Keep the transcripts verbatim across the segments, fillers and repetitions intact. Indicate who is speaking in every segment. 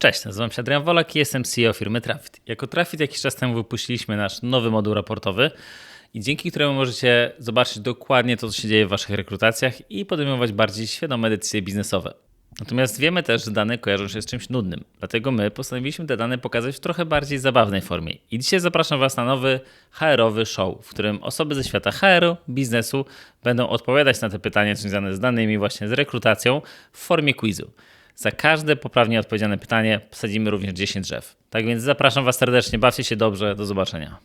Speaker 1: Cześć, nazywam się Adrian Wolak i jestem C E O firmy Trafit. Jako Trafit jakiś czas temu wypuściliśmy nasz nowy moduł raportowy i dzięki któremu możecie zobaczyć dokładnie to, co się dzieje w waszych rekrutacjach i podejmować bardziej świadome decyzje biznesowe. Natomiast wiemy też, że dane kojarzą się z czymś nudnym, dlatego my postanowiliśmy te dane pokazać w trochę bardziej zabawnej formie. I dzisiaj zapraszam was na nowy H R-owy show, w którym osoby ze świata H R-u, biznesu będą odpowiadać na te pytania związane z danymi, właśnie z rekrutacją w formie quizu. Za każde poprawnie odpowiedziane pytanie posadzimy również dziesięć drzew. Tak więc zapraszam was serdecznie, bawcie się dobrze, do zobaczenia.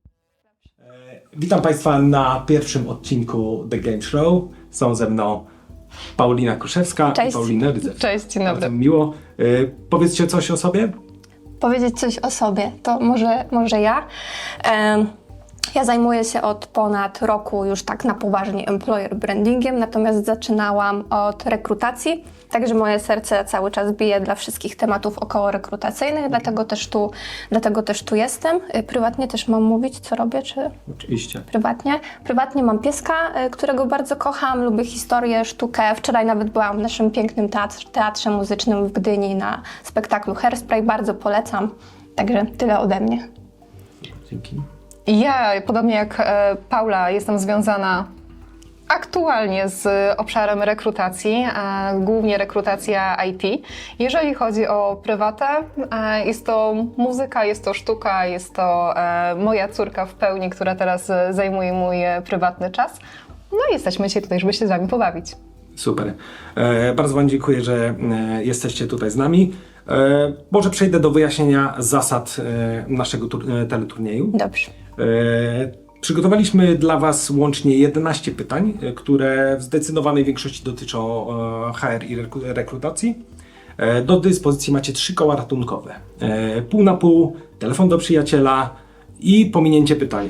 Speaker 2: Witam Państwa na pierwszym odcinku The Game Show. Są ze mną Paulina Kruszewska
Speaker 3: Cześć.
Speaker 2: i Paulina Rydzew.
Speaker 3: Cześć, dzień dobry.
Speaker 2: Bardzo miło. Y, powiedzcie coś o sobie.
Speaker 3: Powiedzieć coś o sobie, to może, może ja. Em, Ja zajmuję się od ponad roku już tak na poważnie employer brandingiem, natomiast zaczynałam od rekrutacji, także moje serce cały czas bije dla wszystkich tematów około rekrutacyjnych, dlatego też tu, dlatego też tu jestem. Y, Prywatnie też mam mówić, co robię, czy...
Speaker 2: Oczywiście.
Speaker 3: Prywatnie. Prywatnie mam pieska, y, którego bardzo kocham, lubię historię, sztukę. Wczoraj nawet byłam w naszym pięknym teatrze, teatrze muzycznym w Gdyni na spektaklu Hairspray, bardzo polecam. Także tyle ode mnie.
Speaker 2: Dzięki.
Speaker 4: Ja, podobnie jak e, Paula, jestem związana aktualnie z obszarem rekrutacji, e, głównie rekrutacja I T. Jeżeli chodzi o prywatę, e, jest to muzyka, jest to sztuka, jest to e, moja córka w pełni, która teraz e, zajmuje mój e, prywatny czas. No i jesteśmy dzisiaj tutaj, żeby się z wami pobawić.
Speaker 2: Super. E, bardzo Wam dziękuję, że e, jesteście tutaj z nami. E, może przejdę do wyjaśnienia zasad e, naszego tur- e, teleturnieju.
Speaker 3: Dobrze.
Speaker 2: E, Przygotowaliśmy dla Was łącznie jedenaście pytań, e, które w zdecydowanej większości dotyczą e, H R i rekru- rekrutacji. E, do dyspozycji macie trzy koła ratunkowe. E, pół na pół, telefon do przyjaciela i pominięcie pytania.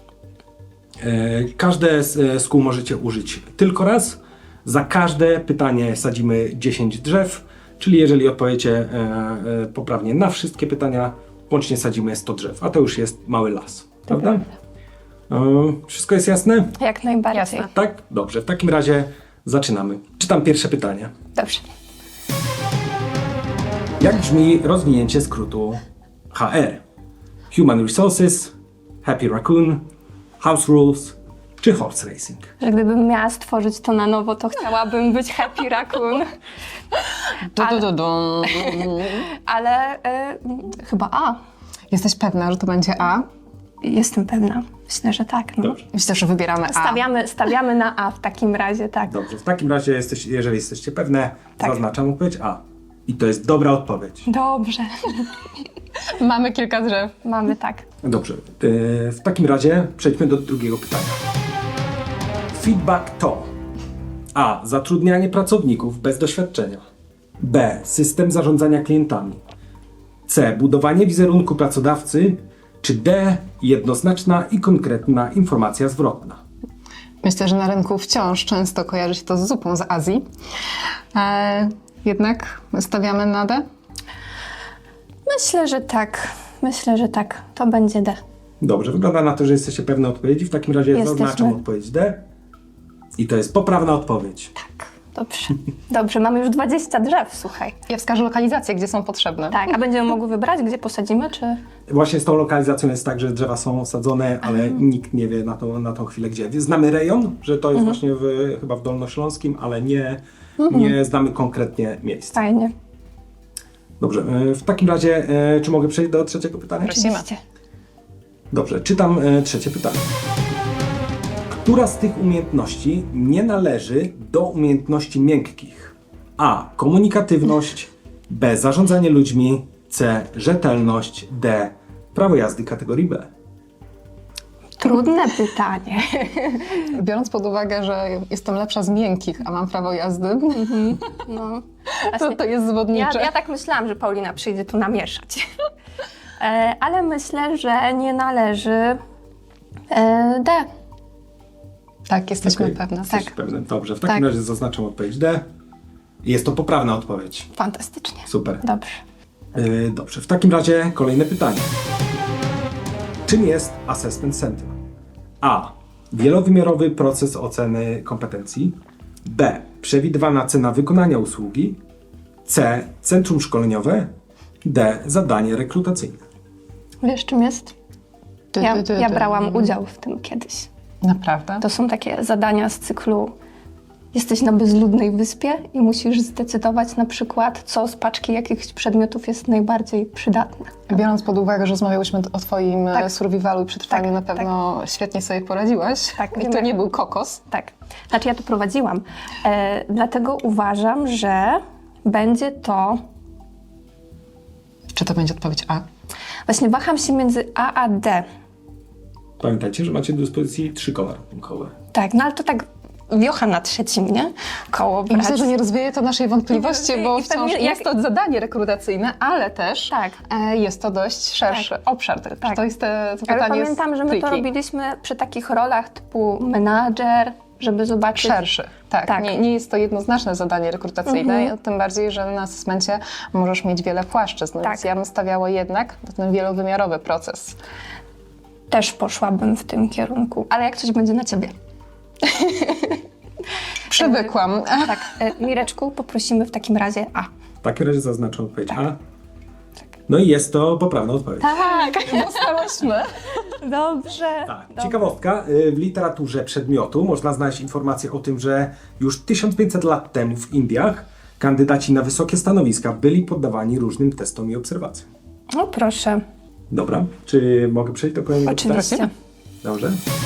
Speaker 2: E, każde z, z kół możecie użyć tylko raz. Za każde pytanie sadzimy dziesięć drzew, czyli jeżeli odpowiecie e, e, poprawnie na wszystkie pytania, łącznie sadzimy sto drzew, a to już jest mały las, prawda? E, wszystko jest jasne?
Speaker 3: Jak najbardziej.
Speaker 4: Jasne.
Speaker 2: Tak? Dobrze, w takim razie zaczynamy. Czytam pierwsze pytanie.
Speaker 3: Dobrze.
Speaker 2: Jak brzmi rozwinięcie skrótu H R? Human Resources, Happy Raccoon, House Rules czy Horse Racing?
Speaker 3: Że gdybym miała stworzyć to na nowo, to chciałabym być Happy Raccoon.
Speaker 4: Du, du, du, du.
Speaker 3: Ale y, chyba A.
Speaker 4: Jesteś pewna, że to będzie A?
Speaker 3: Jestem pewna. Myślę, że tak. No.
Speaker 2: Dobrze.
Speaker 4: Myślę, że wybieramy A.
Speaker 3: Stawiamy, stawiamy na A w takim razie, tak.
Speaker 2: Dobrze, w takim razie, jesteś, jeżeli jesteście pewne,
Speaker 3: Tak.
Speaker 2: zaznaczam odpowiedź A. I to jest dobra odpowiedź.
Speaker 3: Dobrze.
Speaker 4: Mamy kilka drzew.
Speaker 3: Mamy tak.
Speaker 2: Dobrze, yy, w takim razie przejdźmy do drugiego pytania. Feedback to A. Zatrudnianie pracowników bez doświadczenia. B. System zarządzania klientami. C. Budowanie wizerunku pracodawcy. Czy D. Jednoznaczna i konkretna informacja zwrotna.
Speaker 4: Myślę, że na rynku wciąż często kojarzy się to z zupą z Azji. E, jednak stawiamy na D.
Speaker 3: Myślę, że tak. Myślę, że tak. To będzie D.
Speaker 2: Dobrze, wygląda na to, że jesteście pewne odpowiedzi. W takim razie
Speaker 3: Jesteśmy.
Speaker 2: zaznaczam odpowiedź D. I to jest poprawna odpowiedź.
Speaker 3: Dobrze. Dobrze, mamy już dwadzieścia drzew, słuchaj.
Speaker 4: Ja wskażę lokalizacje, gdzie są potrzebne.
Speaker 3: Tak, a będziemy mogły wybrać, gdzie posadzimy, czy...
Speaker 2: Właśnie z tą lokalizacją jest tak, że drzewa są sadzone, ale nikt nie wie na tą, na tą chwilę gdzie. Znamy rejon, że to jest właśnie w, chyba w Dolnośląskim, ale nie, nie znamy konkretnie miejsca.
Speaker 3: Fajnie.
Speaker 2: Dobrze, e, w takim razie, e, czy mogę przejść do trzeciego pytania?
Speaker 4: Prosimy.
Speaker 3: Oczywiście.
Speaker 2: Dobrze, czytam e, trzecie pytanie. Która z tych umiejętności nie należy do umiejętności miękkich? A. Komunikatywność. B. Zarządzanie ludźmi. C. Rzetelność. D. Prawo jazdy kategorii B.
Speaker 3: Trudne pytanie.
Speaker 4: Biorąc pod uwagę, że jestem lepsza z miękkich, a mam prawo jazdy,
Speaker 3: No.
Speaker 4: to,
Speaker 3: Właśnie,
Speaker 4: to jest zwodnicze.
Speaker 3: ja, ja tak myślałam, że Paulina przyjdzie tu namieszać. e, ale myślę, że nie należy e, D.
Speaker 4: Tak, jesteśmy
Speaker 2: Okej,
Speaker 4: pewne.
Speaker 2: jesteś
Speaker 4: Tak.
Speaker 2: pewne. Dobrze, w takim
Speaker 4: Tak.
Speaker 2: razie zaznaczam odpowiedź D. Jest to poprawna odpowiedź.
Speaker 3: Fantastycznie.
Speaker 2: Super.
Speaker 3: Dobrze.
Speaker 2: Yy, dobrze, w takim razie kolejne pytanie. Czym jest Assessment Center? A. Wielowymiarowy proces oceny kompetencji. B. Przewidywana cena wykonania usługi. C. Centrum szkoleniowe. D. Zadanie rekrutacyjne.
Speaker 3: Wiesz, czym jest?
Speaker 4: Ty,
Speaker 3: Ja,
Speaker 4: ty, ty,
Speaker 3: ja
Speaker 4: ty.
Speaker 3: brałam udział w tym kiedyś.
Speaker 4: Naprawdę?
Speaker 3: To są takie zadania z cyklu jesteś na bezludnej wyspie i musisz zdecydować na przykład, co z paczki jakichś przedmiotów jest najbardziej przydatne.
Speaker 4: Biorąc pod uwagę, że rozmawiałyśmy o twoim
Speaker 3: Tak.
Speaker 4: tak. survivalu i przetrwaniu,
Speaker 3: Tak,
Speaker 4: na pewno świetnie sobie poradziłaś.
Speaker 3: Tak,
Speaker 4: I
Speaker 3: wiem,
Speaker 4: to
Speaker 3: jak-
Speaker 4: nie był kokos.
Speaker 3: Tak. Znaczy ja to prowadziłam. E, dlatego uważam, że będzie to...
Speaker 4: Czy to będzie odpowiedź A?
Speaker 3: Właśnie waham się między A a D.
Speaker 2: Pamiętajcie, że macie do dyspozycji trzy koła ratunkowe.
Speaker 3: Tak, no ale to tak wiocha na trzecim, nie? Koło
Speaker 4: I myślę,
Speaker 3: brać.
Speaker 4: że nie rozwieje to naszej wątpliwości,
Speaker 3: I-
Speaker 4: bo
Speaker 3: i pewnie
Speaker 4: wciąż
Speaker 3: jak-
Speaker 4: jest to zadanie rekrutacyjne, ale też
Speaker 3: Tak.
Speaker 4: e, jest to dość szerszy obszar.
Speaker 3: Tak.
Speaker 4: To jest te, to
Speaker 3: Ale
Speaker 4: pytanie
Speaker 3: pamiętam,
Speaker 4: jest
Speaker 3: że my to
Speaker 4: tricky.
Speaker 3: robiliśmy przy takich rolach typu menadżer, żeby zobaczyć...
Speaker 4: Szerszy, tak.
Speaker 3: Tak.
Speaker 4: Nie, nie jest to jednoznaczne zadanie rekrutacyjne, tym bardziej, że na asesmencie możesz mieć wiele płaszczyzn,
Speaker 3: Tak.
Speaker 4: więc ja bym stawiała jednak na ten wielowymiarowy proces.
Speaker 3: Też poszłabym w tym kierunku, ale jak coś będzie na ciebie.
Speaker 4: Przywykłam.
Speaker 3: Tak, e, Mireczku, poprosimy w takim razie A.
Speaker 2: W takim razie zaznaczam odpowiedź A. No i jest to poprawna odpowiedź.
Speaker 3: Tak,
Speaker 4: Dostałyśmy.
Speaker 3: dobrze.
Speaker 2: Tak. Ciekawostka, y, w literaturze przedmiotu można znaleźć informację o tym, że już tysiąc pięćset lat temu w Indiach kandydaci na wysokie stanowiska byli poddawani różnym testom i obserwacjom.
Speaker 3: No proszę,
Speaker 2: Dobra, czy mogę przejść do kolejnego pytania?
Speaker 3: oczywiście.
Speaker 2: Dobrze.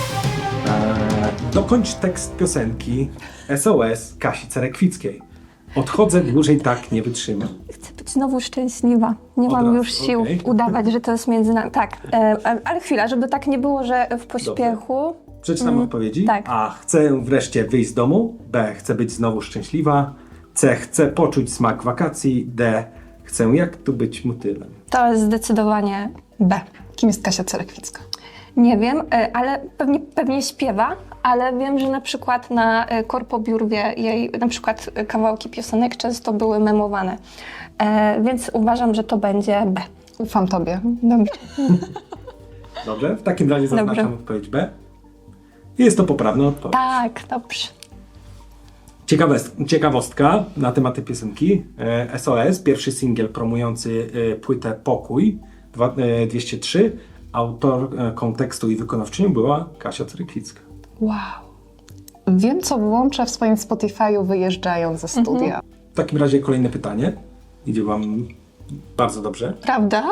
Speaker 2: Eee, dokończ tekst piosenki S O S Kasi Cerekwickiej. Odchodzę, dłużej tak nie wytrzymam.
Speaker 3: Chcę być znowu szczęśliwa. Nie
Speaker 2: Od
Speaker 3: mam
Speaker 2: razu,
Speaker 3: już sił
Speaker 2: okej.
Speaker 3: udawać, że to jest między nami. Tak, e, e, ale chwila, żeby tak nie było, że w pośpiechu.
Speaker 2: Przeczytam odpowiedzi.
Speaker 3: tak.
Speaker 2: A. Chcę wreszcie wyjść z domu. B. Chcę być znowu szczęśliwa. C. Chcę poczuć smak wakacji. D. Chcę jak tu być motylem.
Speaker 3: To jest zdecydowanie B.
Speaker 4: Kim jest Kasia Cerekwicka?
Speaker 3: Nie wiem, e, ale pewnie, pewnie śpiewa, ale wiem, że na przykład na e, korpobiurwie jej na przykład e, kawałki piosenek często były memowane. E, więc uważam, że to będzie B.
Speaker 4: Ufam tobie.
Speaker 3: Dobrze.
Speaker 2: Dobrze? W takim razie zaznaczam
Speaker 3: Dobrze.
Speaker 2: odpowiedź B. I jest to poprawna odpowiedź.
Speaker 3: Tak, dobrze.
Speaker 2: Ciekawest- ciekawostka na temat tej piosenki. E, S O S, pierwszy singiel promujący e, płytę Pokój dwa, e, dwieście trzy. Autorką tekstu i wykonawczynią była Kasia Cerekwicka.
Speaker 3: Wow.
Speaker 4: Wiem, co włączę w swoim Spotify'u wyjeżdżając ze studia.
Speaker 2: W takim razie kolejne pytanie. Idzie wam bardzo dobrze.
Speaker 3: Prawda?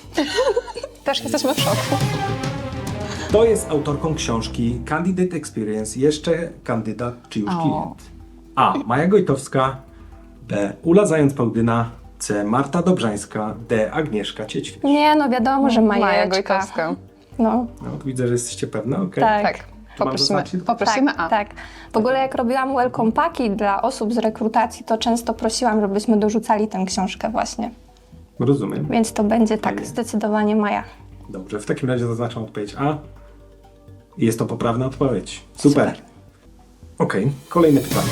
Speaker 4: Też jesteśmy w szoku.
Speaker 2: Kto jest autorką książki Candidate Experience, jeszcze kandydat czy już
Speaker 4: O.
Speaker 2: klient? A. Maja Gojtowska. B. Ula Zając-Pałdyna. C. Marta Dobrzańska. D. Agnieszka Ciećwierz.
Speaker 3: Nie, no wiadomo, że
Speaker 4: Maja
Speaker 3: Majeczka.
Speaker 4: Gojkowska.
Speaker 3: No,
Speaker 2: No, to widzę, że jesteście pewne, okej.
Speaker 3: Tak.
Speaker 4: Tak.
Speaker 2: mam
Speaker 4: Poprosimy,
Speaker 2: zaznaczyć?
Speaker 4: poprosimy
Speaker 3: tak,
Speaker 4: A.
Speaker 3: tak. W ogóle jak robiłam welcome packi dla osób z rekrutacji, to często prosiłam, żebyśmy dorzucali tę książkę właśnie.
Speaker 2: Rozumiem.
Speaker 3: Więc to będzie tak,
Speaker 2: Fajnie.
Speaker 3: zdecydowanie Maja.
Speaker 2: Dobrze, w takim razie zaznaczam odpowiedź A. I jest to poprawna odpowiedź. Super.
Speaker 3: Super.
Speaker 2: Okej, kolejne pytanie.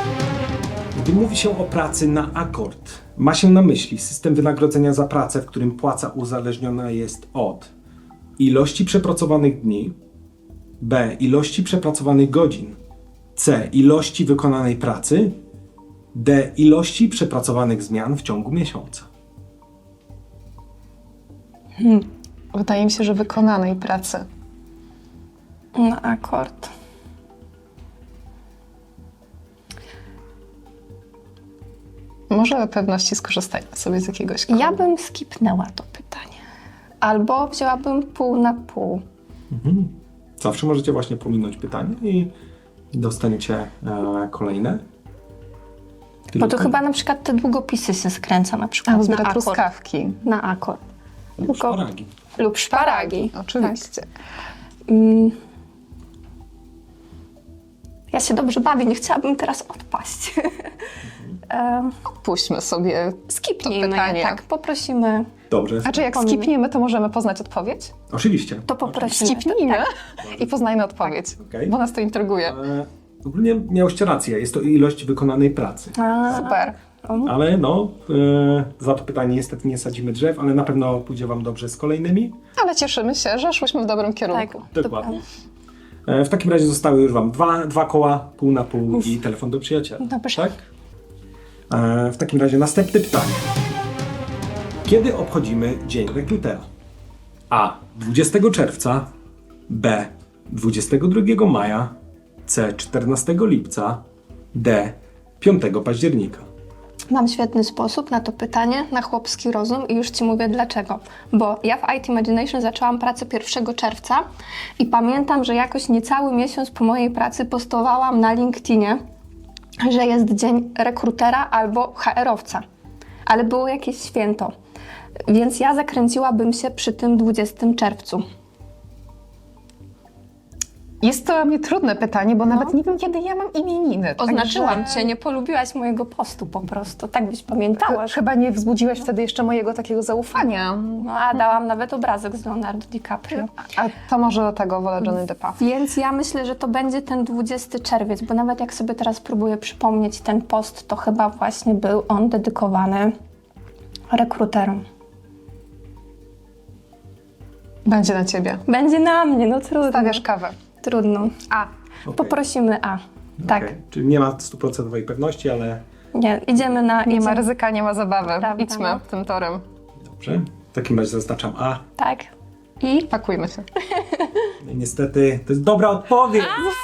Speaker 2: Gdy mówi się o pracy na akord, ma się na myśli system wynagrodzenia za pracę, w którym płaca uzależniona jest od ilości przepracowanych dni, B. ilości przepracowanych godzin, C. ilości wykonanej pracy, D. ilości przepracowanych zmian w ciągu miesiąca.
Speaker 4: Wydaje mi się, że wykonanej pracy.
Speaker 3: Na akord.
Speaker 4: Może dla pewności skorzystajmy sobie z jakiegoś kodu.
Speaker 3: Ja bym skipnęła to pytanie. Albo wzięłabym pół na pół.
Speaker 2: Zawsze możecie właśnie pominąć pytanie i dostaniecie e, kolejne.
Speaker 3: Bo
Speaker 2: Tylko-
Speaker 3: to chyba na przykład te długopisy się skręca na przykład
Speaker 4: Albo
Speaker 3: na
Speaker 4: zbiera
Speaker 3: akord.
Speaker 4: truskawki.
Speaker 3: Na akord.
Speaker 2: lub
Speaker 3: tylko-
Speaker 2: szparagi.
Speaker 3: Lub szparagi.
Speaker 4: Oczywiście.
Speaker 3: Mm. Ja się dobrze bawię, nie chciałabym teraz odpaść. Em,
Speaker 4: Puśćmy sobie
Speaker 3: Skipnijmy
Speaker 4: to pytanie.
Speaker 3: je, tak, poprosimy.
Speaker 2: Dobrze.
Speaker 4: A czy jak
Speaker 3: Pomimo.
Speaker 4: skipniemy, to możemy poznać odpowiedź?
Speaker 2: Oczywiście.
Speaker 3: To poprosimy.
Speaker 4: Skipnijmy
Speaker 3: Tak.
Speaker 4: i poznajmy odpowiedź,
Speaker 2: Okej.
Speaker 4: bo nas to intryguje.
Speaker 2: E, ogólnie miałyście rację, jest to ilość wykonanej pracy.
Speaker 3: A,
Speaker 4: Super.
Speaker 2: Ale no, e, za to pytanie niestety nie sadzimy drzew, ale na pewno pójdzie wam dobrze z kolejnymi.
Speaker 4: Ale cieszymy się, że szłyśmy w dobrym
Speaker 3: tak,
Speaker 4: kierunku.
Speaker 2: Dokładnie. E, w takim razie zostały już wam dwa, dwa koła, pół na pół i telefon do przyjaciela.
Speaker 3: Dobrze.
Speaker 2: Tak? E, w takim razie następne pytanie. Kiedy obchodzimy Dzień Rekrutera? A. dwudziestego czerwca, B. dwudziestego drugiego maja, C. czternastego lipca, D. piątego października.
Speaker 3: Mam świetny sposób na to pytanie, na chłopski rozum i już Ci mówię dlaczego. Bo ja w I T Imagination zaczęłam pracę pierwszego czerwca i pamiętam, że jakoś niecały miesiąc po mojej pracy postowałam na LinkedInie, że jest dzień rekrutera albo H R-owca. Ale było jakieś święto. Więc ja zakręciłabym się przy tym dwudziestego czerwca.
Speaker 4: Jest to dla mnie trudne pytanie, bo nawet nie wiem, kiedy ja mam imieniny.
Speaker 3: Oznaczyłam
Speaker 4: Także-
Speaker 3: Cię, nie polubiłaś mojego postu po prostu. Tak byś pamiętała.
Speaker 4: Ch- Chyba nie wzbudziłaś wtedy jeszcze mojego takiego zaufania.
Speaker 3: No, a dałam nawet obrazek z Leonardo DiCaprio.
Speaker 4: A to może do tego wolę Johnny Deppa.
Speaker 3: Więc ja myślę, że to będzie ten dwudziestego czerwiec, bo nawet jak sobie teraz próbuję przypomnieć ten post, to chyba właśnie był on dedykowany rekruterom.
Speaker 4: Będzie na ciebie.
Speaker 3: Będzie na mnie, no trudno.
Speaker 4: Stawiasz kawę.
Speaker 3: Trudno. A.
Speaker 2: Okej.
Speaker 3: Poprosimy A. Tak.
Speaker 2: Okej. Czyli nie ma stuprocentowej pewności, ale
Speaker 3: Nie, idziemy na...
Speaker 4: Nie ma
Speaker 3: idziemy-
Speaker 4: ryzyka, nie ma zabawy.
Speaker 3: Prawda,
Speaker 4: Idźmy
Speaker 3: no.
Speaker 4: tym torem.
Speaker 2: dobrze. W takim razie zaznaczam A.
Speaker 3: Tak. I...
Speaker 4: Pakujmy się.
Speaker 2: No i niestety to jest dobra odpowiedź.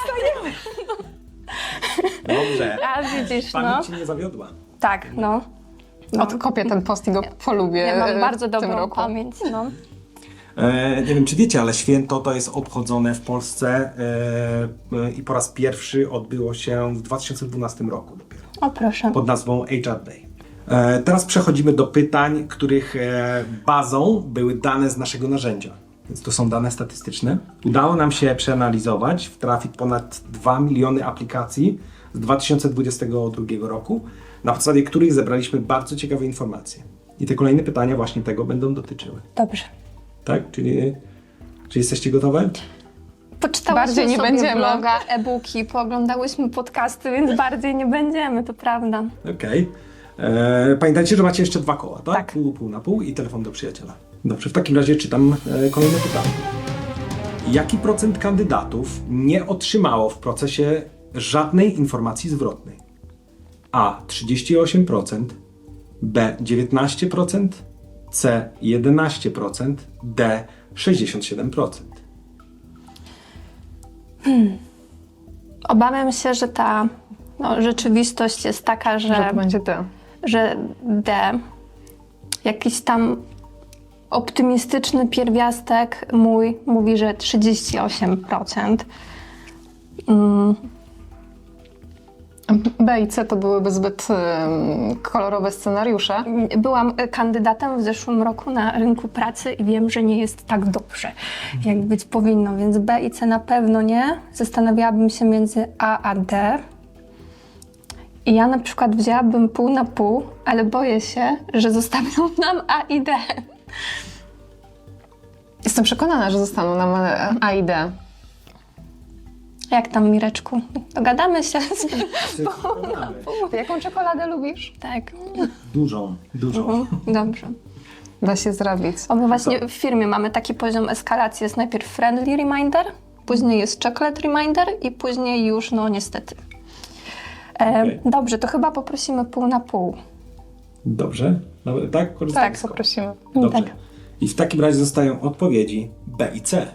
Speaker 2: Dobrze.
Speaker 3: A widzisz, no.
Speaker 2: Pamięć cię nie zawiodła.
Speaker 3: Tak, no. no.
Speaker 4: Odkopię ten post i go polubię
Speaker 3: Ja mam
Speaker 4: e,
Speaker 3: bardzo
Speaker 4: w tym
Speaker 3: dobrą
Speaker 4: roku.
Speaker 3: pamięć, no.
Speaker 2: E, nie wiem, czy wiecie, ale święto to jest obchodzone w Polsce e, e, i po raz pierwszy odbyło się w dwa tysiące dwunastym roku dopiero,
Speaker 3: O proszę.
Speaker 2: pod nazwą H R Day. E, teraz przechodzimy do pytań, których e, bazą były dane z naszego narzędzia. Więc to są dane statystyczne. Udało nam się przeanalizować, trafić ponad dwa miliony aplikacji z dwa tysiące dwudziestego drugiego roku, na podstawie których zebraliśmy bardzo ciekawe informacje. I te kolejne pytania właśnie tego będą dotyczyły.
Speaker 3: Dobrze.
Speaker 2: Tak? Czyli, czy jesteście gotowe?
Speaker 3: Poczytałyśmy
Speaker 4: Bardziej nie
Speaker 3: sobie
Speaker 4: będziemy.
Speaker 3: bloga, e-booki, pooglądałyśmy podcasty, więc bardziej nie będziemy, to prawda.
Speaker 2: Okej. E, Pamiętajcie, że macie jeszcze dwa koła, tak?
Speaker 3: Tak.
Speaker 2: Pół, pół na pół i telefon do przyjaciela. Dobrze, w takim razie czytam e, kolejne pytanie. Jaki procent kandydatów nie otrzymało w procesie żadnej informacji zwrotnej? A. trzydzieści osiem procent, B. dziewiętnaście procent, C. jedenaście procent, D. sześćdziesiąt siedem procent.
Speaker 3: Obawiam się, że ta no, rzeczywistość jest taka, że,
Speaker 4: Że to będzie ty.
Speaker 3: że D, jakiś tam optymistyczny pierwiastek mój mówi, że trzydzieści osiem procent. Mm,
Speaker 4: B i C to byłyby zbyt ym, kolorowe scenariusze.
Speaker 3: Byłam kandydatem w zeszłym roku na rynku pracy i wiem, że nie jest tak dobrze, jak być powinno, więc B i C na pewno nie. Zastanawiałabym się między A a D. I ja na przykład wzięłabym pół na pół, ale boję się, że zostawią nam A i D.
Speaker 4: Jestem przekonana, że zostaną nam e, A i D.
Speaker 3: Jak tam, Mireczku? Dogadamy się?
Speaker 4: Ty jaką czekoladę lubisz?
Speaker 3: Tak.
Speaker 2: Dużą, dużą.
Speaker 3: Mhm, dobrze.
Speaker 4: Da się zrobić.
Speaker 3: O, my właśnie w firmie mamy taki poziom eskalacji. Jest najpierw friendly reminder, później jest chocolate reminder i później już, no niestety. E,
Speaker 2: Okej.
Speaker 3: Dobrze, to chyba poprosimy pół na pół.
Speaker 2: Dobrze? Dobra, tak? Korzystamy
Speaker 4: Tak,
Speaker 2: z koła.
Speaker 4: poprosimy.
Speaker 2: Dobrze.
Speaker 3: Tak.
Speaker 2: I w takim razie zostają odpowiedzi B i C.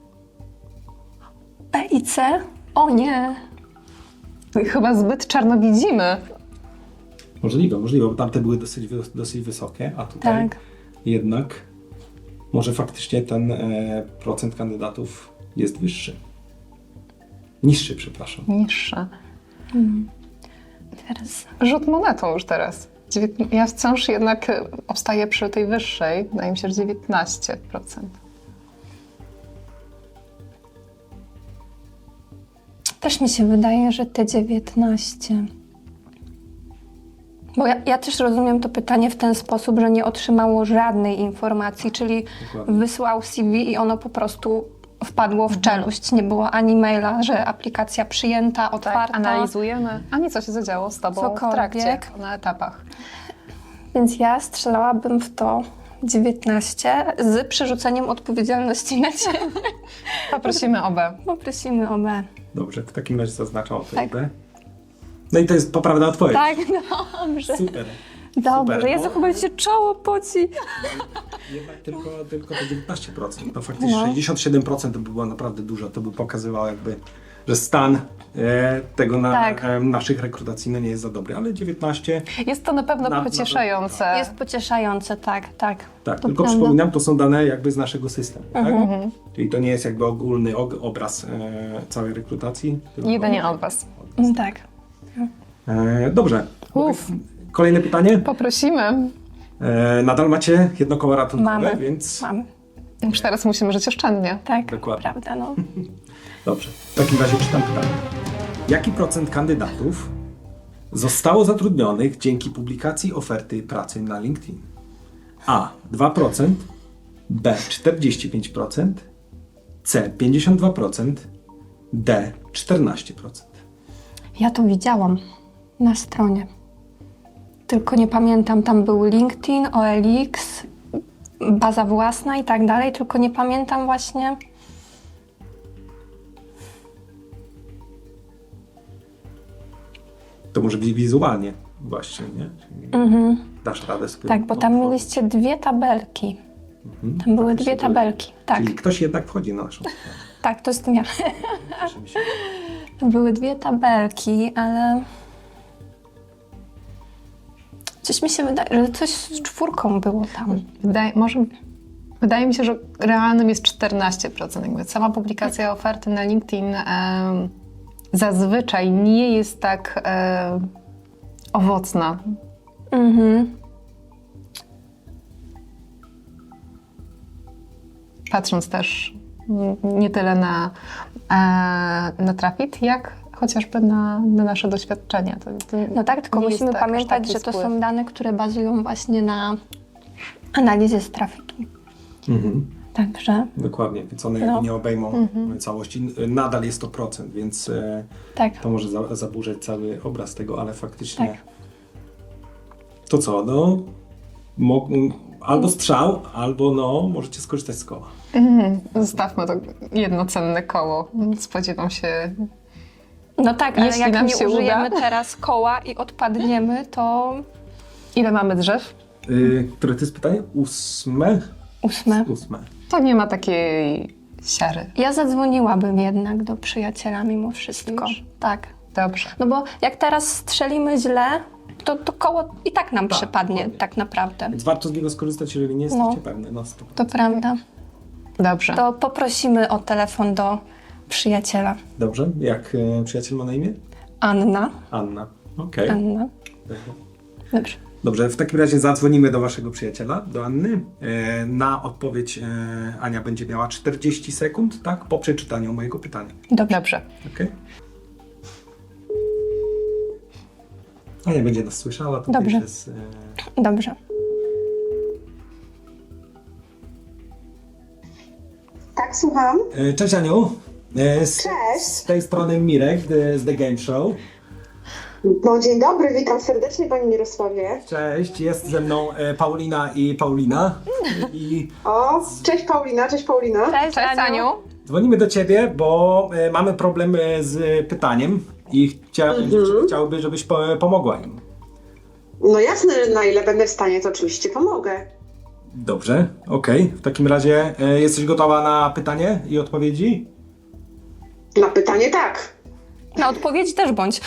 Speaker 3: B i C? O nie.
Speaker 4: Chyba zbyt czarno widzimy.
Speaker 2: Możliwe, możliwe, bo tamte były dosyć, wy- dosyć wysokie, a tutaj
Speaker 3: Tak.
Speaker 2: jednak może faktycznie ten e, procent kandydatów jest wyższy. Niższy, przepraszam.
Speaker 4: Niższe.
Speaker 3: Teraz
Speaker 4: Rzut monetą już teraz. Dziewiętn- Ja wciąż jednak e, obstaję przy tej wyższej. Wydaje mi się, że dziewiętnaście procent.
Speaker 3: też mi się wydaje, że te dziewiętnaście. Bo ja, ja też rozumiem to pytanie w ten sposób, że nie otrzymało żadnej informacji, czyli
Speaker 2: Dokładnie.
Speaker 3: wysłał C V i ono po prostu wpadło w czeluść. Nie było ani maila, że aplikacja przyjęta, otwarta.
Speaker 4: Analizujemy. Ani co się zadziało z tobą w
Speaker 3: Cokolwiek.
Speaker 4: trakcie, na etapach.
Speaker 3: Więc ja strzelałabym w to dziewiętnaście z przerzuceniem odpowiedzialności na ciebie.
Speaker 4: Poprosimy o B.
Speaker 3: Poprosimy o B.
Speaker 2: Dobrze, w takim razie zaznaczam odpowiedź
Speaker 3: Tak.
Speaker 2: B. No i to jest poprawna odpowiedź.
Speaker 3: Tak, dobrze.
Speaker 2: Super.
Speaker 3: Dobrze,
Speaker 2: Super.
Speaker 3: Jezu, chyba mi się czoło poci.
Speaker 2: Jednak tylko, tylko te dziewiętnaście procent. To faktycznie
Speaker 3: No.
Speaker 2: sześćdziesiąt siedem procent to by było naprawdę dużo. To by pokazywało jakby, że stan e, tego na,
Speaker 3: Tak.
Speaker 2: e, naszych rekrutacji no nie jest za dobry, ale dziewiętnaście,
Speaker 4: Jest to na pewno
Speaker 2: Na- na-
Speaker 4: pocieszające.
Speaker 3: Jest pocieszające, tak, tak.
Speaker 2: tak,
Speaker 3: To
Speaker 2: tylko
Speaker 3: prawda.
Speaker 2: przypominam, to są dane jakby z naszego systemu,
Speaker 3: Mhm.
Speaker 2: tak? Czyli to nie jest jakby ogólny og- obraz e, całej rekrutacji. Tylko
Speaker 4: Jedynie od was.
Speaker 3: Mm, Tak.
Speaker 2: E, dobrze.
Speaker 4: Uf.
Speaker 2: Kolejne pytanie.
Speaker 4: Poprosimy.
Speaker 2: E, nadal macie jedno koło ratunkowe,
Speaker 3: Mamy.
Speaker 2: więc
Speaker 3: Mam.
Speaker 4: Już teraz musimy żyć oszczędnie.
Speaker 3: Tak,
Speaker 2: Dokładnie.
Speaker 3: prawda, no.
Speaker 2: dobrze. W takim razie czytam pytanie. Jaki procent kandydatów zostało zatrudnionych dzięki publikacji oferty pracy na LinkedIn? A. dwa procent, B. czterdzieści pięć procent, C. pięćdziesiąt dwa procent, D. czternaście procent.
Speaker 3: Ja to widziałam na stronie. Tylko nie pamiętam, tam był LinkedIn, O L X, baza własna i tak dalej, tylko nie pamiętam właśnie.
Speaker 2: To może być wizualnie właśnie, nie? Czyli
Speaker 3: Mhm.
Speaker 2: dasz radę sobie...
Speaker 3: Tak, bo tam
Speaker 2: otworzyć.
Speaker 3: mieliście dwie tabelki.
Speaker 2: Mhm.
Speaker 3: Tam były
Speaker 2: Faktycznie
Speaker 3: dwie tabelki. Tak,
Speaker 2: Czyli ktoś jednak wchodzi na naszą stronę.
Speaker 3: tak, to jest ja.
Speaker 2: Cieszymy się.
Speaker 3: Były dwie tabelki, ale coś mi się wydaje, że coś z czwórką było tam.
Speaker 4: Wydaje, może, wydaje mi się, że realnym jest czternaście procent. Jakby sama publikacja oferty na LinkedIn em, zazwyczaj nie jest tak em, owocna.
Speaker 3: Mhm.
Speaker 4: Patrząc też mm, nie tyle na, e, na Trafit, jak chociażby na, na nasze doświadczenia. To, to
Speaker 3: No tak, tylko
Speaker 4: nie jest
Speaker 3: musimy
Speaker 4: tak, aż
Speaker 3: pamiętać,
Speaker 4: taki
Speaker 3: że to
Speaker 4: spływ.
Speaker 3: są dane, które bazują właśnie na analizie z trafiki.
Speaker 2: Mhm.
Speaker 3: Także,
Speaker 2: Dokładnie, więc one
Speaker 3: No.
Speaker 2: jakby nie obejmą całości. Nadal jest to procent, więc e,
Speaker 3: tak.
Speaker 2: to może za, zaburzać cały obraz tego, ale faktycznie...
Speaker 3: Tak.
Speaker 2: To co, no... Mo, albo strzał, albo no, możecie skorzystać z koła.
Speaker 4: Mhm. Zostawmy to jedno cenne koło. Spodziewam się.
Speaker 3: No tak, ale
Speaker 4: Jeśli
Speaker 3: jak
Speaker 4: nam
Speaker 3: nie
Speaker 4: się
Speaker 3: użyjemy
Speaker 4: uda.
Speaker 3: teraz koła i odpadniemy, to
Speaker 4: Ile mamy drzew?
Speaker 2: Yy, które to jest pytanie? Ósme?
Speaker 3: ósme.
Speaker 2: Ósme.
Speaker 4: To nie ma takiej siary.
Speaker 3: Ja zadzwoniłabym jednak do przyjaciela mimo wszystko.
Speaker 4: Już?
Speaker 3: Tak.
Speaker 4: Dobrze.
Speaker 3: No bo jak teraz strzelimy źle, to, to koło i tak nam
Speaker 2: Tak,
Speaker 3: przypadnie
Speaker 2: dokładnie.
Speaker 3: tak naprawdę.
Speaker 2: Więc warto z niego skorzystać, jeżeli nie jesteście
Speaker 3: No.
Speaker 2: pewne. No, stop.
Speaker 3: To prawda.
Speaker 4: Dobrze.
Speaker 3: To poprosimy o telefon do przyjaciela.
Speaker 2: Dobrze. Jak e, przyjaciel ma na imię?
Speaker 3: Anna.
Speaker 2: Anna. Okej.
Speaker 3: Anna. Dobrze.
Speaker 2: Dobrze, w takim razie zadzwonimy do waszego przyjaciela, do Anny. E, na odpowiedź e, Ania będzie miała czterdzieści sekund, tak? Po przeczytaniu mojego pytania.
Speaker 3: Dobrze.
Speaker 4: Dobrze.
Speaker 2: Okej? Ania będzie nas słyszała. To
Speaker 3: Dobrze.
Speaker 2: Jest, e,
Speaker 3: Dobrze.
Speaker 5: Tak, słucham.
Speaker 2: e, Cześć Aniu. E, z,
Speaker 5: Cześć.
Speaker 2: Z tej strony Mirek z The Game Show.
Speaker 5: No, dzień dobry, witam serdecznie Pani Mirosławie.
Speaker 2: Cześć, jest ze mną e, Paulina i Paulina. I
Speaker 5: O, cześć Paulina, cześć Paulina.
Speaker 3: Cześć,
Speaker 4: Cześć, Aniu.
Speaker 2: dzwonimy do ciebie, bo e, mamy problem e, z pytaniem i chcia, chciałby, żebyś po, pomogła im.
Speaker 5: No jasne, że na ile będę w stanie, to oczywiście pomogę.
Speaker 2: Dobrze, okej. W takim razie e, jesteś gotowa na pytanie i odpowiedzi?
Speaker 5: Na pytanie tak.
Speaker 3: Na odpowiedź też bądź.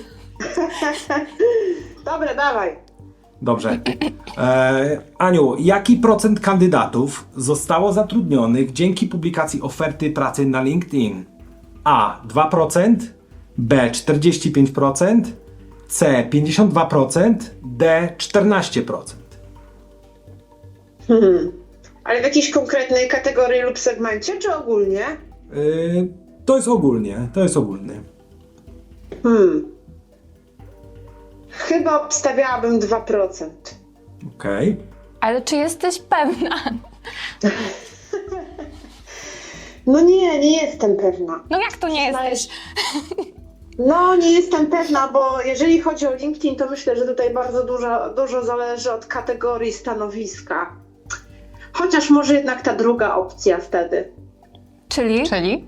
Speaker 5: Dobra, dawaj.
Speaker 2: Dobrze. E, Aniu, jaki procent kandydatów zostało zatrudnionych dzięki publikacji oferty pracy na LinkedIn? A. dwa procent, B. czterdzieści pięć procent, C. pięćdziesiąt dwa procent, D. czternaście procent.
Speaker 5: Hmm. Ale w jakiejś konkretnej kategorii lub segmencie, czy ogólnie?
Speaker 2: E, to jest ogólnie, to jest ogólny.
Speaker 5: Hmm. Chyba obstawiałabym dwa procent.
Speaker 2: Okej.
Speaker 3: Ale czy jesteś pewna?
Speaker 5: No nie, nie jestem pewna.
Speaker 3: No jak to nie jesteś?
Speaker 5: No, nie jestem pewna, bo jeżeli chodzi o LinkedIn, to myślę, że tutaj bardzo dużo, dużo zależy od kategorii stanowiska. Chociaż może jednak ta druga opcja wtedy.
Speaker 3: Czyli?
Speaker 4: Czyli?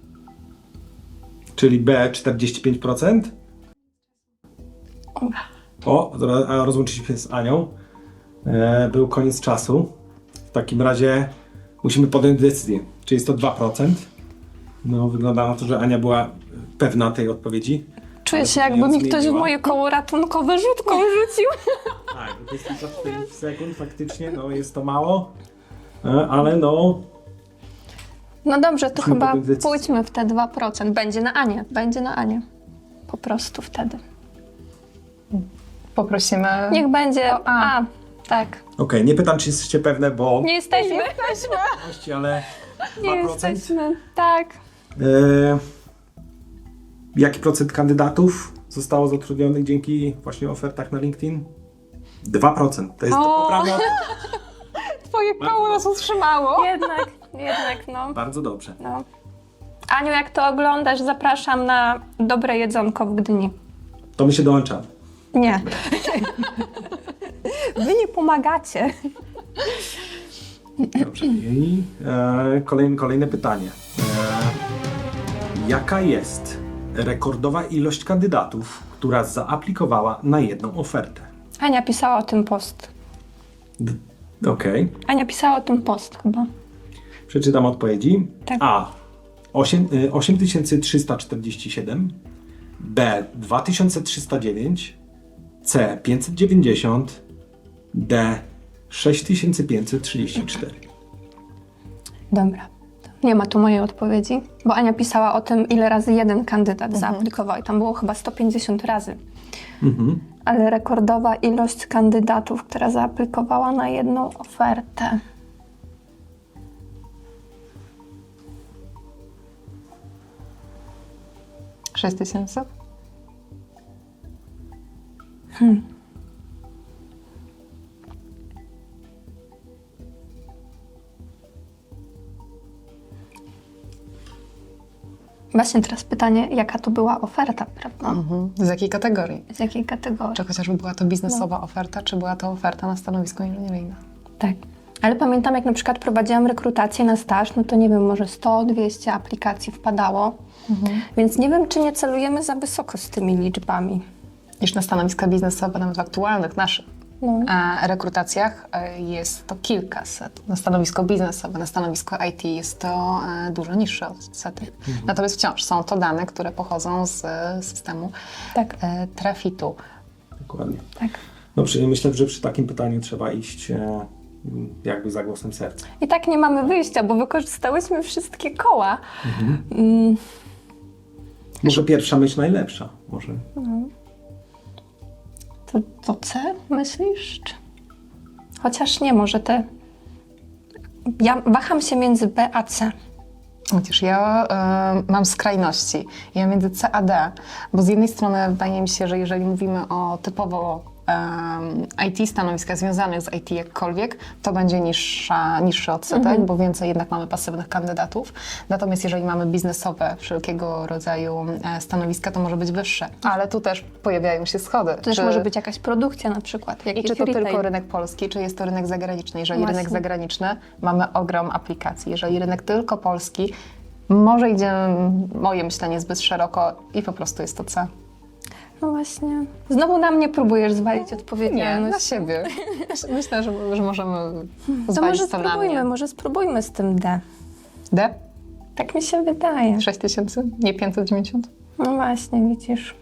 Speaker 2: Czyli B. czterdzieści pięć procent? O, ro- rozłączyliśmy się z Anią. E, był koniec czasu. W takim razie musimy podjąć decyzję. Czy jest to dwa procent? No, wygląda na to, że Ania była pewna tej odpowiedzi.
Speaker 3: Czuję
Speaker 2: Ale
Speaker 3: się,
Speaker 2: później
Speaker 3: jakby
Speaker 2: ją
Speaker 3: mi ktoś w
Speaker 2: zmieniła.
Speaker 3: moje koło ratunkowe rzutką rzucił.
Speaker 2: Tak, dwadzieścia czterdzieści sekund faktycznie, no jest to mało. E, ale no,
Speaker 3: No dobrze, to
Speaker 2: Musimy
Speaker 3: chyba
Speaker 2: podjąć decyzję.
Speaker 3: pójdźmy w te dwa procent. Będzie na Anię, będzie na Anię. Po prostu wtedy.
Speaker 4: Poprosimy...
Speaker 3: Niech będzie
Speaker 4: To A.
Speaker 3: A. Tak.
Speaker 2: okej, nie pytam, czy jesteście pewne, bo
Speaker 3: Nie jesteśmy. Nie jesteśmy.
Speaker 2: Oczywiście, ale
Speaker 3: Nie
Speaker 2: dwa procent.
Speaker 3: jesteśmy. Tak.
Speaker 2: E, jaki procent kandydatów zostało zatrudnionych dzięki właśnie ofertach na LinkedIn? dwa procent. To jest to
Speaker 3: O!
Speaker 2: poprawne.
Speaker 4: Twoje koło nas utrzymało.
Speaker 3: Jednak, jednak no.
Speaker 2: Bardzo dobrze.
Speaker 3: no. Aniu, jak to oglądasz, zapraszam na dobre jedzonko w Gdyni.
Speaker 2: To my się dołączamy.
Speaker 3: Nie. Wy nie pomagacie.
Speaker 2: Dobrze. I e, kolejne, kolejne pytanie. E, jaka jest rekordowa ilość kandydatów, która zaaplikowała na jedną ofertę?
Speaker 3: Ania pisała o tym post.
Speaker 2: D- Okej.
Speaker 3: Ania pisała o tym post chyba.
Speaker 2: Przeczytam odpowiedzi.
Speaker 3: Tak.
Speaker 2: A. osiem tysięcy trzysta czterdzieści siedem. B. dwa tysiące trzysta dziewięć. C. pięćset dziewięćdziesiąt. D. sześć tysięcy pięćset trzydzieści cztery.
Speaker 3: Dobra. Nie ma tu mojej odpowiedzi, bo Ania pisała o tym, ile razy jeden kandydat
Speaker 2: Mhm.
Speaker 3: zaaplikował i tam było chyba sto pięćdziesiąt razy.
Speaker 2: Mhm.
Speaker 3: Ale rekordowa ilość kandydatów, która zaaplikowała na jedną ofertę.
Speaker 4: sześć tysięcy?
Speaker 3: Właśnie teraz pytanie, jaka to była oferta, prawda?
Speaker 4: Mhm. Z jakiej kategorii?
Speaker 3: Z jakiej kategorii?
Speaker 4: Czy chociażby była to biznesowa oferta, czy była to oferta na stanowisko inżynieryjne?
Speaker 3: Tak. Ale pamiętam, jak na przykład prowadziłam rekrutację na staż, no to nie wiem, może sto dwieście aplikacji wpadało. Więc nie wiem, czy nie celujemy za wysoko z tymi liczbami.
Speaker 4: Niż na stanowiska biznesowe, nawet w aktualnych naszych
Speaker 3: No.
Speaker 4: e, rekrutacjach e, jest to kilkaset. Na stanowisko biznesowe, na stanowisko I T jest to e, dużo niższe odsety. Natomiast wciąż są to dane, które pochodzą z e, systemu
Speaker 3: Tak.
Speaker 4: e, Trafitu.
Speaker 2: Dokładnie.
Speaker 3: Tak.
Speaker 2: No, przy, myślę, że przy takim pytaniu trzeba iść e, jakby za głosem serca.
Speaker 3: I tak nie mamy wyjścia, bo wykorzystałyśmy wszystkie koła. Mm,
Speaker 2: Może pierwsza myśl najlepsza. Może.
Speaker 3: to, to C, myślisz? Czy... Chociaż nie, może te... Ja waham się między B a C.
Speaker 4: Widzisz, ja e, mam skrajności. Ja między C a D, bo z jednej strony wydaje mi się, że jeżeli mówimy o typowo e, I T, stanowiskach związanych z I T jakkolwiek, to będzie niższa, niższy odsetek, bo więcej jednak mamy pasywnych kandydatów. Natomiast jeżeli mamy biznesowe wszelkiego rodzaju e, stanowiska, to może być wyższe. Ale tu też pojawiają się schody.
Speaker 3: To też
Speaker 4: Czy-
Speaker 3: może być jakaś produkcja na przykład.
Speaker 4: I
Speaker 3: Jakiś
Speaker 4: czy to
Speaker 3: retail.
Speaker 4: tylko rynek polski, czy jest to rynek zagraniczny? Jeżeli
Speaker 3: Właśnie.
Speaker 4: rynek zagraniczny, mamy ogrom aplikacji. Jeżeli rynek tylko polski, może idzie moje myślenie zbyt szeroko i po prostu jest to C.
Speaker 3: No właśnie. Znowu na mnie próbujesz zwalić
Speaker 4: Nie,
Speaker 3: odpowiedzialność.
Speaker 4: na siebie. Myślę, że, że możemy
Speaker 3: To
Speaker 4: zwalić
Speaker 3: może
Speaker 4: to na
Speaker 3: spróbujmy,
Speaker 4: mnie.
Speaker 3: może spróbujmy z tym D.
Speaker 4: D?
Speaker 3: Tak mi się wydaje.
Speaker 4: sześć tysięcy? Nie pięćset dziewięćdziesiąt?
Speaker 3: No właśnie, widzisz.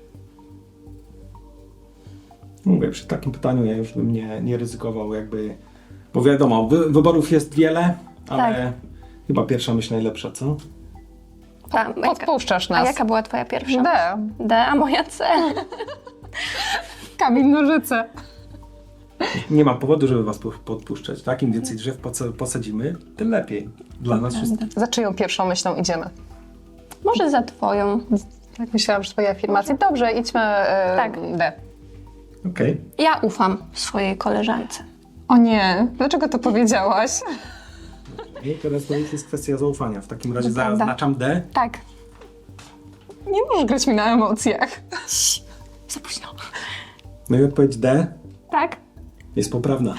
Speaker 2: Mówię, przy takim pytaniu ja już bym nie, nie ryzykował jakby, bo wiadomo, wy, wyborów jest wiele, ale
Speaker 3: Tak.
Speaker 2: chyba pierwsza myśl najlepsza, co?
Speaker 3: A, jaka,
Speaker 4: Podpuszczasz
Speaker 3: a
Speaker 4: nas.
Speaker 3: jaka była twoja pierwsza?
Speaker 4: D.
Speaker 3: D, a moja C.
Speaker 4: Kamień, nożyce.
Speaker 2: Nie ma powodu, żeby was po- podpuszczać, tak? Im więcej drzew posa- posadzimy, tym lepiej dla nas wszystkich.
Speaker 4: Za czyją pierwszą myślą idziemy?
Speaker 3: Może za twoją.
Speaker 4: Tak myślałam, że twoje afirmacje. Dobrze, idźmy e,
Speaker 3: Tak.
Speaker 4: D.
Speaker 2: Okej.
Speaker 3: Ja ufam swojej koleżance.
Speaker 4: O nie, dlaczego to powiedziałaś?
Speaker 2: I teraz to jest kwestia zaufania. W takim razie
Speaker 3: To prawda.
Speaker 2: zaznaczam D.
Speaker 3: Tak.
Speaker 4: Nie możesz grać mi na emocjach.
Speaker 3: Za późno.
Speaker 2: No i odpowiedź D
Speaker 3: Tak?
Speaker 2: jest poprawna.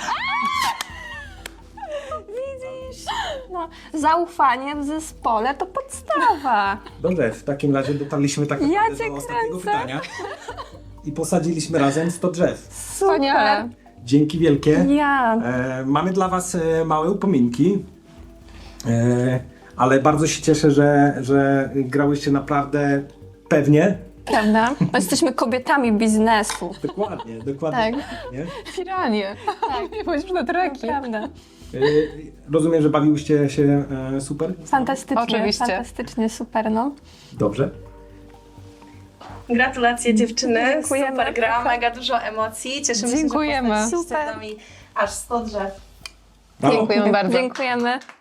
Speaker 3: Widzisz? No, zaufanie w zespole to podstawa.
Speaker 2: Dobrze, w takim razie dotarliśmy tak
Speaker 3: Ja
Speaker 2: naprawdę
Speaker 3: cię
Speaker 2: do ostatniego
Speaker 3: kręcę.
Speaker 2: pytania. i posadziliśmy razem sto drzew.
Speaker 4: Wspaniale.
Speaker 2: Dzięki wielkie.
Speaker 3: Ja.
Speaker 2: E, mamy dla Was e, małe upominki, e, ale bardzo się cieszę, że, że grałyście naprawdę pewnie.
Speaker 3: Prawda? My jesteśmy kobietami biznesu.
Speaker 2: Dokładnie, dokładnie.
Speaker 3: Tak.
Speaker 2: Nie?
Speaker 4: Piranie. Tak. Nie bądź na treki.
Speaker 3: Prawda.
Speaker 2: E, rozumiem, że bawiłyście się e, super?
Speaker 3: Fantastycznie,
Speaker 4: Oczywiście.
Speaker 3: fantastycznie, super, no.
Speaker 2: Dobrze.
Speaker 6: Gratulacje dziewczyny,
Speaker 3: Dziękujemy.
Speaker 6: super gra, mega dużo emocji, cieszymy
Speaker 4: Dziękujemy.
Speaker 6: się, że
Speaker 3: Super.
Speaker 6: poznaliście z nami aż sto drzew.
Speaker 2: Brawo.
Speaker 4: Dziękujemy bardzo.
Speaker 3: Dziękujemy.